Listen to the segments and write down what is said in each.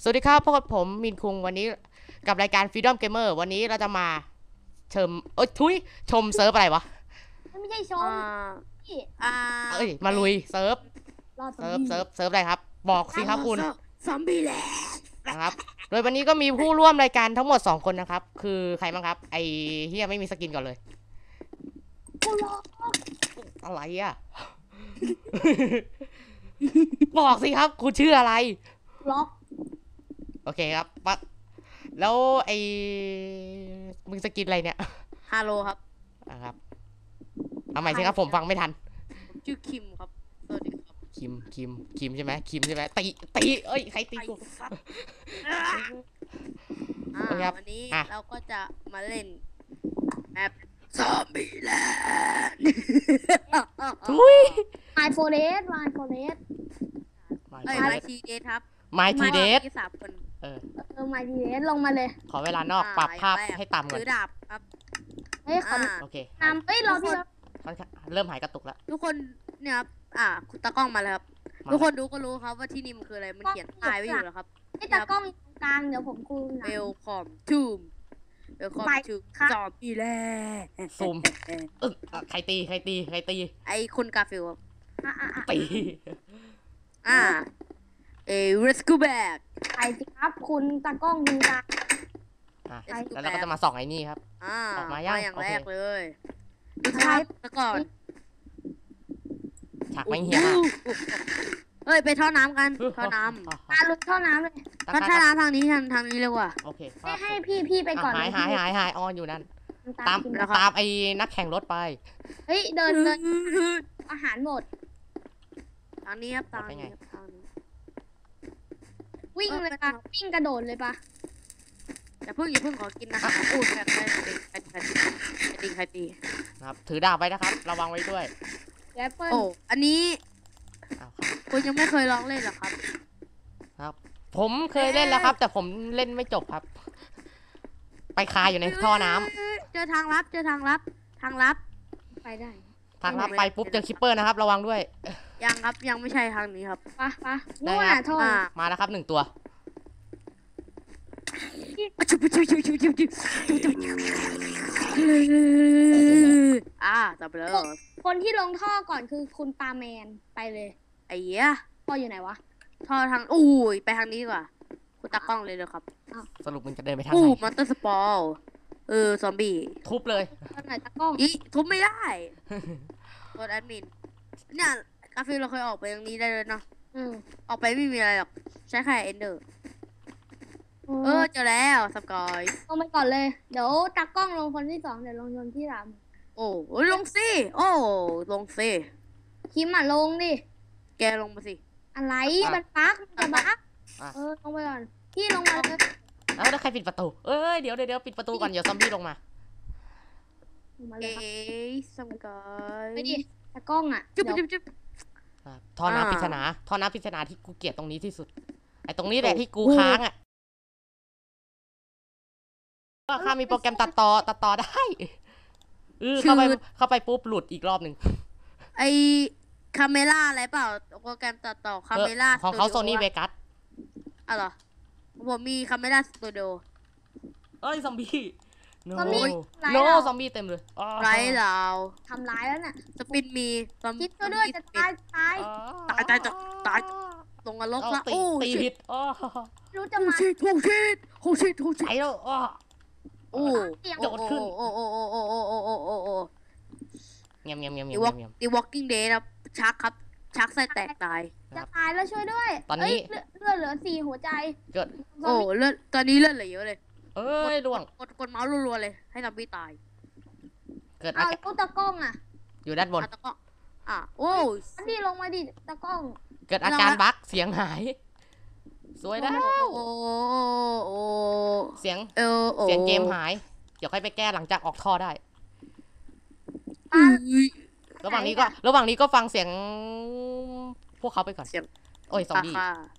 สวัสดีครับพบกับผมมินคุงวันนี้กับรายการ Freedom Gamer วันนี้เราจะมาเชิมชมเซิร์ฟอะไรวะไม่ใช่ชอ่มา พี่มาลุยเซิร์ฟรอซอเซิมร์ฟบี้เซิร์ฟเซิร์ฟอะไรครับ บอกสิครับคุณซอมบี้แลนด์นะครับโดยวันนี้ก็มีผู้ร่วมรายการทั้งหมด2คนนะครับคือใครบ้างครับไอเฮียไม่มีสกินก่อนเลยกูรออะไรอ่ะ บอกสิครับคุณชื่ออะไรล็อกโอเคครับปะแล้วไอมึงสกินอะไรเนี่ยฮัลโหลครับนะครับเอาใหม่สิครับผมฟังไม่ทันผมชื่อคิมครับสวัสดีครับคิมใช่ไหมคิมใช่ไหมตีเอ้ยใครตีกูสัตว์โอเคครับวันนี้อ่ะเราก็จะมาเล่นแมปซอมบี้แลนด์ทุยไมโฟเรสไมโฟเรสเอ้ยมาทีเดทครับ My T Dead ที่3 คนเออไมทีเรสลงมาเลยขอเวลานอกปรับภาพให้ต่ำก่อนถือดาบครับเฮ้ยขอโอเคนำเฮ้ยรอพี่แล้วค่อนข้างเริ่มหายกระตุกแล้วทุกคนเนี่ยครับคุณตากล้องมาแล้วครับมาทุกคนดูก็รู้ครับว่าที่นี่มันคืออะไรมันเขียนป้ายไว้อยู่แล้วครับไอ้ตากล้องอยู่ตรงกลางเดี๋ยวผมคูนะ Welcome to Welcome ไป to ค่ะ Zombieland ซูมใครตีไอ้คุณกาฟิลครับตีอ่าlet's go back ไปสิครับคุณตากล้องคุณตาอ่ะแล้วเราก็จะมาส่องไอ้นี่ครับ ออกมายังอย่างโอเคแรกเลยดูภาพซะก่อนฉากไม่เหี้ยมากเฮ้ยไปท่อน้ำกันท่อน้ตาลุกท่อน้ำเลยำท่อน้ำทางนี้ทางนี้เร็วกว่าโอเคให้พี่ไปก่อนหายออนอยู่นั่น ตามแล้วครับตามไอ้นักแข่งรถไปเฮ้ยเดินอาหารหมดทางนี้ครับทางนี้ครับทางนี้วิ่งเลยปะวิ่งกระโดดเลยปะอย่าเพิ่งขอกินนะคะอู้ใครตีนะครับ ถือดาบไว้นะครับ ระวังไว้ด้วยแอปเปิ้ลโอ้อันนี้อ้าวครับคุณยังไม่เคยลองเล่นหรอครับครับ ผมเคยเล่นแล้วครับ แต่ผมเล่นไม่จบครับ ไปคาอยู่ในท่อน้ำเจอทางลับทางลับไปได้ทางลับไปปุ๊บเจอคิปเปอร์นะครับ ระวังด้วยยังครับยังไม่ใช่ทางนี้ครับปะนู่นน่ะท่อมาแล้วครับ1 ตัวจับไปเลยคนที่ลงท่อก่อนคือคุณปาแมนไปเลยไอ้เหี้ยท่ออยู่ไหนวะท่อทางอู้ยไปทางนี้ดีกว่าคุณตากล้องเลยครับสรุปมึงจะเดินไปทางอู้ไหนมอนเตอร์สปอลซอมบี้ทุบเลยตอนไหนตะกล้องอีทุบไม่ได้กดแอดมินเนี่ยกาฟิลเราเคยออกไปทางนี้ได้เลยเนาะ ออกไปไม่มีอะไรหรอกใช้แค่เอนเดอร์เจอแล้วสกอยลงไปก่อนเลย เดี๋ยวตากล้องลงคนที่2เดี๋ยวลงคนที่3 โอ้ลงสิลงสิคิมอ่ะลงดิแกลงมาสิอะไรมันบั๊กมันจะบั๊กอ่ะลงไปก่อนพี่ลงมาเลยแล้วใครปิดประตูเอ้ยเดี๋ยวปิดประตูก่อนเดี๋ยวซอมบี้ลงมาลงมาเลยครับสกอยไปดิตากล้องอ่ะจุ๊บเดี๋ยวจุ๊บท่อน้ำปริศนาท่อน้ำปริศนาที่กูเกลียดตรงนี้ที่สุด ไอ้ตรงนี้แหละที่กูค้างอ่ะก็ข้ามีโปรแกรมตัดต่อได้เข้าไปปุ๊บหลุดอีกรอบหนึ่งไอคาเมล่าอะไรเปล่าโปรแกรมตัดต่อคาเมล่าของเขาโซนี่เวกัสอ๋อเหรอผมมีคาเมล่าสตูดิโอเอ้ยซอมบี้โนซอมบี้โนซอมบี้เต็มเลยไรเราทำร้ายแล้วน่ะสปินมีซอมคิดช่วยด้วยจะตายตายลงนรกละตีผิดไม่รู้จะมาโอ้ชิตใจแล้วโอ้โดดขึ้นโอ้เงียบ The Walking Dead ครับชักครับชักไส้แตกตายจะตายแล้วช่วยด้วยตอนนี้เลือดเหลือ4หัวใจเกิดโอ้เลือดตอนนี้เลือดเหลือเยอะเลยเอ้ยล่วงกดเมาส์รัวๆเลยให้ซอมบี้ตายเกิดอาเอาการตู้ตะกล้องอ่ะอยู่ด้านบนตะก็โอ้อันนี้ลงมาดิตะกล้องเกิดอาการบั๊กเสียงหาย สวยแล้วโอ้เสียงโอ้เสียงเกมหาย เดี๋ยวค่อยไปแก้หลังจากออกท่อได้ ระหว่างนี้ก็ฟังเสียงพวกเขาไปก่อนเสียงโอ้ยซอมบี้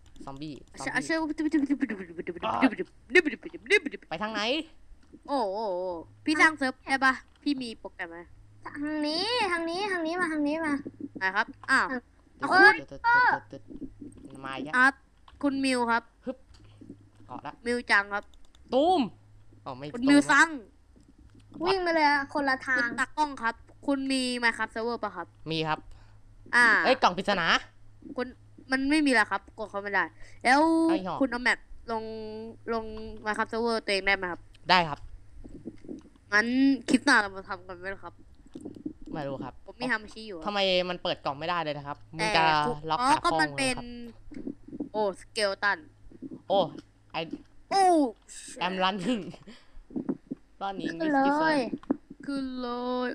ไปทางไหนโอ้พี่สร้างเซิร์ฟได้ปะพี่มีโปรแกรมไหมทางนี้มาทางนี้มานะครับอ้าวมาอีกแล้วคุณมิวครับาะละมิวจังครับตูมอ๋อไม่คุณตูมิวมซังวิ่งไปเลยอะคนละทาคุงณตากล้องครับ คุณมีไมค์ครับเซิร์ฟเวอร์ป่ะครับมีครับอ่าเอ้ยกล่องปริศนาคุณมันไม่มีแล้วครับกดเขาไม่ได้ แล้วเอาอีกเหรอคุณเอาแมปลงไมค์ครับเซิร์ฟเวอร์ตัวเองได้ไหมครับได้ครับงั้นคลิปหน้าเรามาทำกันไหมล่ะครับไม่รู้ครับผมมีฮามาชิอยู่ครับทำไมมันเปิดกล่องไม่ได้เลยนะครับมึงแต่จะคุณล็อกอ๋อขาก็ป้องมันเลเป็ยนครับโอ้สเกลตันโอ้ไอโอ้แอมรันนิ่งตอนนี้ขึ้นเลยขึ้นเลย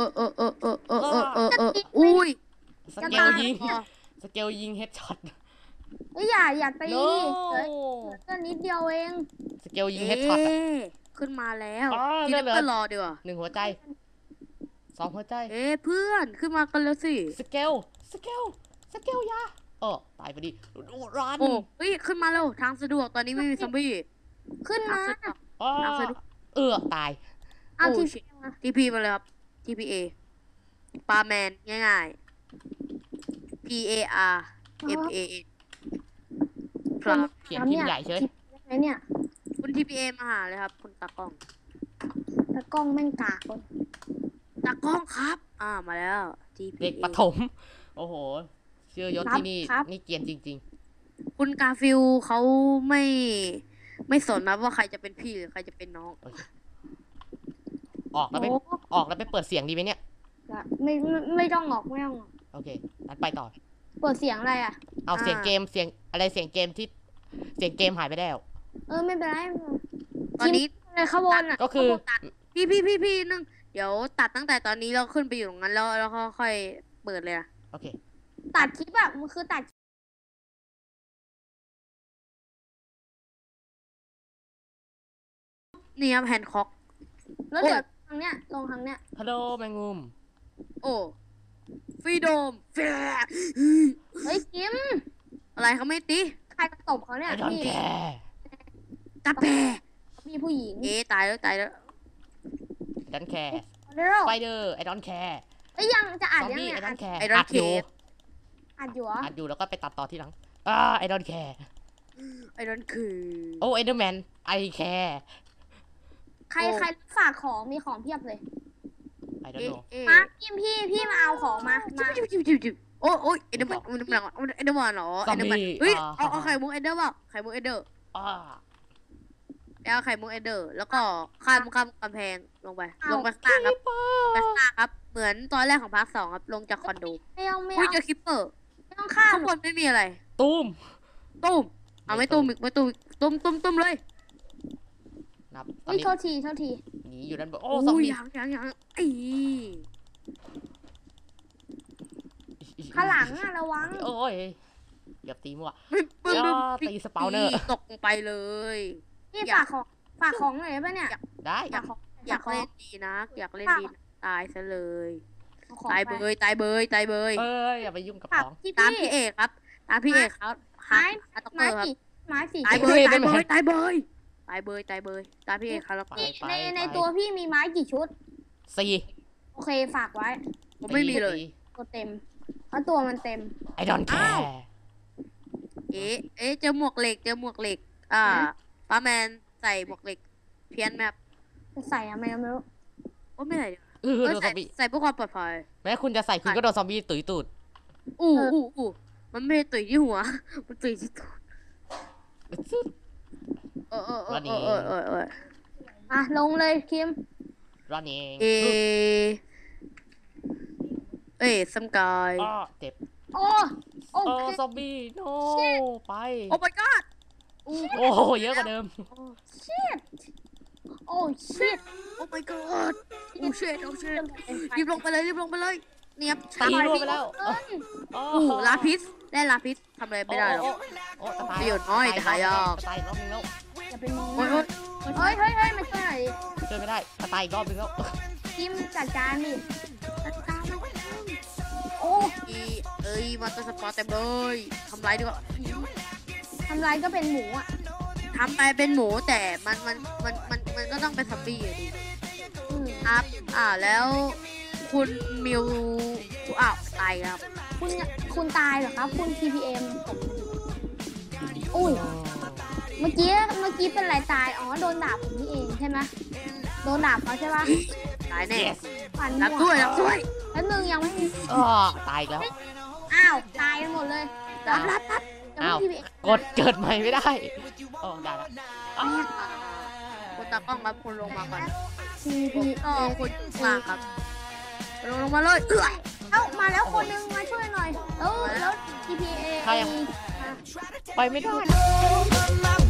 อุ้ยสเกลยิงสเกลยิงเฮดช็อตเอ้ยอย่าตีโนเหลือก็นิดเดียวเองสเกลยิงเฮดช็อตขึ้นมาแล้วอ๋อทีนี้เหลือเพื่อนรอดีกว่า 1 หัวใจ 2 หัวใจเพื่อนขึ้นมากันแล้วสิสเกลยาตายพอดีรันโอ้เฮ้ยขึ้นมาแล้วทางสะดวกตอนนี้ไม่มีซอมบี้ขึ้นทางมาสะดวกอ้อทางสะดวกตายเอาโอ้ที shit มา TP มาเลยครับ TPA ปาแมนง่ายๆ PAR MA ครับเขียนพิมพ์ใหญ่เฉยไหนเนี่ยคุณ TPA มาหาเลยครับ คุณตากล้องตะกล้องแม่งกากคนตากล้องครับ มาแล้ว TPA เด็กประถม โอ้โหชื่อยศที่นี่นี่เกรียนจริงคุณกาฟิลเขาไม่สนนะว่าใครจะเป็นพี่หรือใครจะเป็นน้องๆ ออกแล้วไปโอ้เปิดเสียงดีไหมเนี่ยไม่ต้องออกไม่ต้องออกโอเคงั้นไปต่อเปิดเสียงอะไรอ่ะเอาเสียงเกมเสียงอะไรเสียงเกมที่เสียงเกมหายไปแล้วไม่เป็นไรตอนนี้เลยขบวนอ่ะก็คือตัดพี่นึงเดี๋ยวตัดตั้งแต่ตอนนี้เราขึ้นไปอยู่ตรงนั้นแล้วก็ค่อยเปิดเลยนะโอเคตัดคลิปอ่ะมันคือตัดนี่ครับแฮนค็อกแล้วเดี๋ยวทางเนี้ยลงทางเนี้ยฮัลโหลแมงมุมโอ้ฟรีโดมแฟร์เฮ้ยคิมอะไรเขาไม่ตีใครตบเขาเนี่ยไอดอนพี่แคร์ตาแปรมีผู้หญิงตายแล้วไอดอนแคร์เร็วสไปเดอร์ไอดอนแคร์ยังจะซอ่านอมยังบี้ไงไอดอนแคร์ไอดอนอัดเคอยู่อ่านอยู่เหรออัดอยู่แล้วก็ไปตัดต่อที่หลังไอดอนแคร์ไอดอนคือโอ้ไอเดอร์แมนไอแคร์ใครฝากของมีของเพียบเลยไอดอนโนมาพี่มาเอาของมาจิบโอ้ยไอเดอร์มันเหรอไอเดอร์มันเหรอไอเดอร์มันเฮ้ยเอาไข่มุกไอเดอร์เปล่าไข่มุกไอเดอร์อ้าแล้วไข่มุกไอเดอร์แล้วก็ข้ามกำแพงลงไปข้างล่างครับไปข้างล่างครับเหมือนตอนแรกของภาค 2ครับลงจากคอนโดไม่เอาอุ้ยเจอคิปเปอร์ไม่ต้องข้ามข้างบนไม่มีอะไรตุ้มตุ้มเอาไม่ตุ้มอีกไม่ตุ้มตุ้มเลยนับตอนอุ้ยนี้โทษทีหนีอยู่ด้านบนโอ้โอ้ซอมยบี้ยังไอ้ข้างหลังอะระวังโอ้ยเกือบตีมั่วปึ้งตีสปาวเนอร์ตกลงไปเลยพี่ฝากของหน่อยได้ปะเนี่ยได้ฝากของอยากเล่นดีนะอยากเล่นดีนะตายซะเลยเอาของตายเบไปยตายเบยตายเบยเอ้ยอย่าไปยุ่งกับฝากของพี่ตามพี่เอกครับตามพี่เอกครับฮัตเตอร์ครับไม้สี่ตายเบยตายเบยตายเบยตายเบยตายเบยตามพี่เอกครับไปในตัวพี่มีไม้กี่ชุดสี่โอเคฝากไว้ผมไม่มีเลยตัวเต็มเพราะตัวมันเต็มไอดอนแคอ้าวร์เจอหมวกเหล็กป้าแมนใส่หมวกเหล็กเพี้ยนแบบจะใส่อะไม่รู้โอ้ไม่ใส่โดนซอมบี้ใส่เพื่อความปลอดภัยแม้คุณจะใส่คุณก็โดนซอมบี้ตุ๋ยตูดอู้มันไม่ได้ตุยที่หัว มันตุยที่ตัวอ่ะลงเลยคิมร้อนเองซัมกายอ้อเจ็บโอ้โอโอ้เคซอมบี้โนไปโอ้ my god โอ้โหเยอะกว่าเดิมโอ้ชิตโอ้ my god โอ้ shit รีบลงไปเลยเนี่ยตีรั่วไปแล้วโอ้โหลาพิษได้ลาพิษทำอะไรไม่ได้หรอกโอ้ตายประโยชน์น้อยแต่หายากตายรอบนึงแล้วอย่าไปมองโอ้ยเฮ้ยมาช่วยหน่อยดิช่วยไม่ได้ตายอีกรอบนึงแล้วคิมจัดการดิโอ้มาตัวสปอร์ตเต็มเลยทำไรดีกว่าทำลายก็เป็นหมูอ่ะทำไปเป็นหมูแต่มันก็ต้องเป็นซอมบี้อยู่ดี ครับ แล้วคุณมิวตายครับคุณตายเหรอครับ คุณ TPM อุ้ยเมื่อกี้เป็นไรตายอ๋อโดนดาบผมนี่เองใช่ไหมโดนดาบเขาใช่ปะตายแน่ yes ฝันรับหัด้วยรับด้วยแล้วนึงยังไม่มีอ้อตายอีกแล้วอ้าวตายกันหมดเลยรับยังอ้าวไม่มีกดเกิดใหม่ไม่ได้โอ้ได้ละอ้าวคุณตากล้องครับคุณลงมาก่อนทีผมพีก็คุณวางครับลงมาเลยเอ้ยเอ้ามาแล้วคนนึงมาช่วยหน่อยแล้ว TPA ใครยัง ไปไม่ได้ my